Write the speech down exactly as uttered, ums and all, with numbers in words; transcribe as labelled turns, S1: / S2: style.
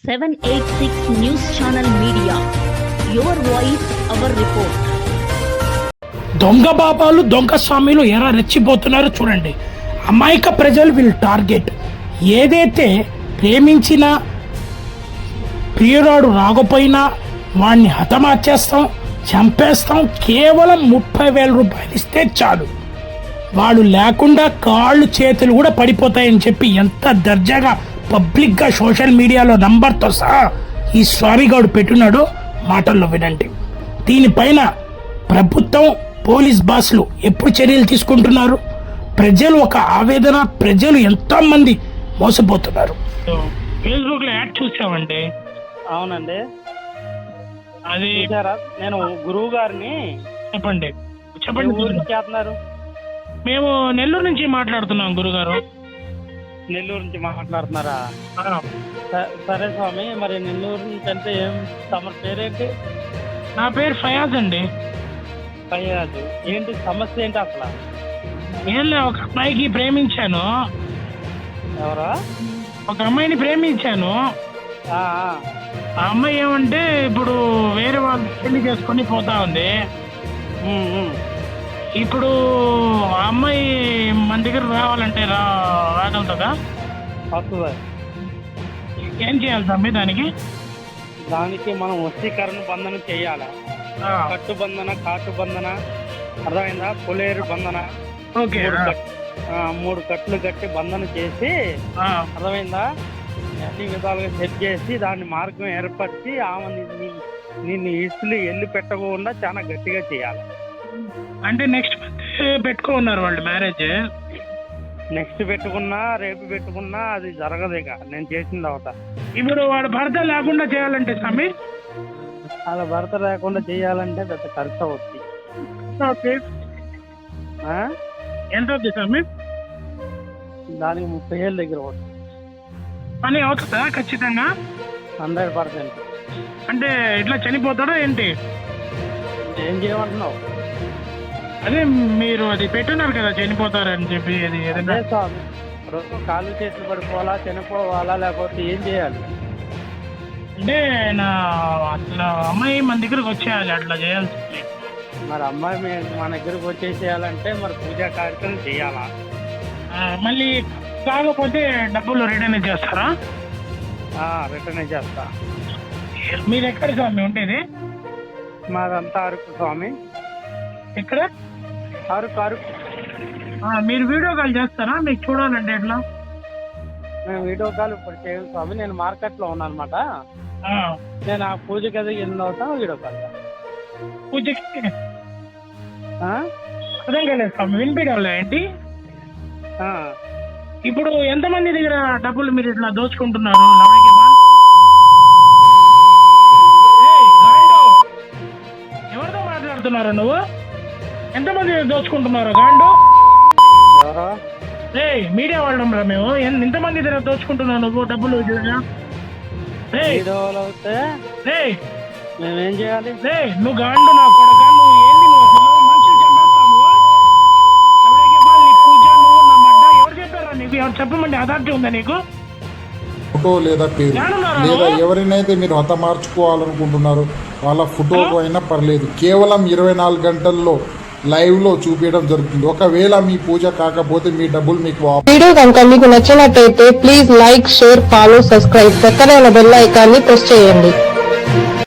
S1: seven eighty-six News Channel Media. Your voice, our report.
S2: దొంగ బాబాలు దొంగ స్వామిలు ఎలా రెచ్చిపోతున్నారో చూడండి. అమాయక ప్రజలు వీళ్ళు టార్గెట్. ఏదైతే ప్రేమించిన ప్రియురాడు రాకపోయినా వాడిని హతమార్చేస్తాం, చంపేస్తాం, కేవలం ముప్పై వేల రూపాయలు ఇస్తే చాలు, వాడు లేకుండా కాళ్ళు చేతులు కూడా పడిపోతాయని చెప్పి ఎంత దర్జాగా పబ్లిక్గా సోషల్ మీడియాలో నంబర్తో సహా ఈ స్వామిగాడు పెట్టున్నాడో మాటల్లో వినండి. దీనిపైన ప్రభుత్వం, పోలీస్ బాసులు ఎప్పుడు చర్యలు తీసుకుంటున్నారు? ప్రజలు ఒక ఆవేదన, ప్రజలు ఎంతో మంది మోసపోతున్నారు. ఫేస్బుక్ లో యాడ్ చూసామండి.
S3: అవునండి,
S2: అది
S3: చూసారా? నేను గురువు గారిని.
S2: చెప్పండి చెప్పండి.
S3: ఊరికి చేస్తున్నారు?
S2: మేము నెల్లూరు నుంచి మాట్లాడుతున్నాం గురుగారు.
S3: నెల్లూరు నుంచి మాట్లాడుతున్నారా? స- సరే స్వామి, మరి నెల్లూరు నుంచి అంటే ఏం, తమ పేరేంటి?
S2: నా పేరు ఫయాజ్ అండి.
S3: ఫయాజు. ఏంటి సమస్య ఏంటి అసలు?
S2: ఏం లే, ఒక అమ్మాయికి ప్రేమించాను.
S3: ఎవరా?
S2: ఒక అమ్మాయిని ప్రేమించాను.
S3: ఆ, ఆ.
S2: ఆ అమ్మాయి ఏమంటే ఇప్పుడు వేరే వాళ్ళు పెళ్లి చేసుకొని పోతా ఉంది.
S3: ఉమ్, ఉమ్.
S2: ఇప్పుడు ఆ అమ్మాయి మన దగ్గర రావాలంటే రా రాగలుగుతుందా?
S3: వస్తుందా?
S2: ఏం చేయాలి తమ్మి దానికి?
S3: దానికి మనం వశీకరణ బంధన చేయాలి.
S2: ఆ,
S3: కట్టు బంధన, కాటు బంధన, అర్థమైందా? పులేరు బంధన.
S2: ఓకే.
S3: మూడు కట్- ఆ, మూడు కట్లు కట్టి బంధన చేసి,
S2: ఆ,
S3: అర్థమైందా? అన్ని విధాలుగా సెట్ చేసి దాన్ని మార్గం ఏర్పరిచి ఆమె నిన్ను- నిన్ను ఇసులు ఎల్లు పెట్టకుండా చాలా గట్టిగా చేయాలి.
S2: అంటే నెక్స్ట్ మంత్ పెట్టుకో ఉన్నారు వాళ్ళు మ్యారేజ్.
S3: నెక్స్ట్ పెట్టుకున్నా రేపు పెట్టుకున్నా అది జరగదు. ఇక నేను చేసిన తర్వాత
S2: ఇప్పుడు వాడు భర్త లేకుండా చేయాలంటే స్వామి
S3: అలా భర్త లేకుండా చేయాలంటే పెద్ద ఖర్చు అవుతుంది.
S2: ఓకే.
S3: ఆ?
S2: ఎంత అవుతుంది స్వామి?
S3: దానికి ముప్పై ఏళ్ళ దగ్గర అవుతుంది.
S2: పని అవుతుందా ఖచ్చితంగా?
S3: Hundred percent.
S2: అంటే ఇట్లా చనిపోతాడా ఏంటి?
S3: ఏం చేయమంటున్నావు?
S2: అదే మీరు అది పెట్టున్నారు కదా చనిపోతారని చెప్పి, అది ఏదైనా
S3: అదే స్వామి, రోజు కాళ్ళు చేతులు పడిపోవాలా, చనిపోవాలా, లేకపోతే ఏం చేయాలి?
S2: అంటే నా అట్లా అమ్మాయి మన దగ్గరకు వచ్చేయాలి, అట్లా చేయాల్సింది.
S3: మరి అమ్మాయి మీ- మన దగ్గరకు వచ్చేసేయాలంటే మరి పూజా కార్యక్రమం చేయాలా?
S2: ఆ, మళ్ళీ కాకపోతే డబ్బులు రిటర్న్ చేస్తారా?
S3: రిటర్న్ చేస్తా.
S2: మీరు ఎక్కడ స్వామి ఉండేది?
S3: మాదంతా అరకు స్వామి.
S2: ఎక్కడ?
S3: అరకు అరకు.
S2: ఆ, మీరు వీడియో కాల్ చేస్తారా? మీకు చూడాలంటే ఎట్లా?
S3: నేను వీడియో కాల్ ఇప్పుడు చేయను స్వామి, నేను మార్కెట్లో ఉన్నాను అనమాట.
S2: ఆ,
S3: నేను ఆ పూజ కదా ఎన్ని అవుతాను వీడియో కాల్.
S2: పూజకి
S3: ఆ?
S2: అర్థం కాలేదు స్వామి, వినిపించాలి ఏంటి?
S3: ఆ.
S2: ఇప్పుడు ఎంతమంది దగ్గర డబ్బులు మీరు ఇట్లా దోచుకుంటున్నారు? లవడికి బా- ఏయ్, గాండు! ఎవరితో మాట్లాడుతున్నారు నువ్వు? ఎంతమంది దోచుకుంటున్నారు గాండు?
S3: ఎవరో
S2: ఏయ్, మీడియా వాళ్ళం రా మేము. ఎన్- ఎంతమంది దగ్గర దోచుకుంటున్నావు నువ్వు డబ్బులు? ఏయ్,
S3: వీడియోలు అవుతే
S2: ఏయ్,
S3: మేమేం చేయాలి?
S2: ఏయ్, నువ్వు గాండు నా కొడక, నువ్వు ఏంది? నువ్వు అసలు మనుషులు చంపేస్తావు నువ్వు. లవడికి బా, నీ పూజ, నువ్వు నా మడ్డ. ఎవరు చెప్పారా నీకు? ఎవరు చెప్పమండి? అథారిటీ ఉందా నీకు?
S4: ఫోటో లేదా పేరు లేదా ఎవరినైతే మీరు హతమార్చుకోవాలనుకుంటున్నారో వాళ్ళ ఫోటోకు అయినా పర్లేదు, కేవలం ఇరవై నాలుగు గంటల్లో లైవ్లో చూపించడం జరుగుతుంది. ఒకవేళ మీ పూజ కాకపోతే మీ డబ్బులు మీకు వాపస్.
S5: వీడియో కనుక మీకు నచ్చినట్టయితే please like, share, follow, subscribe. పక్కనే ఉన్న బెల్ ఐకాన్ని ప్రెస్ చేయండి.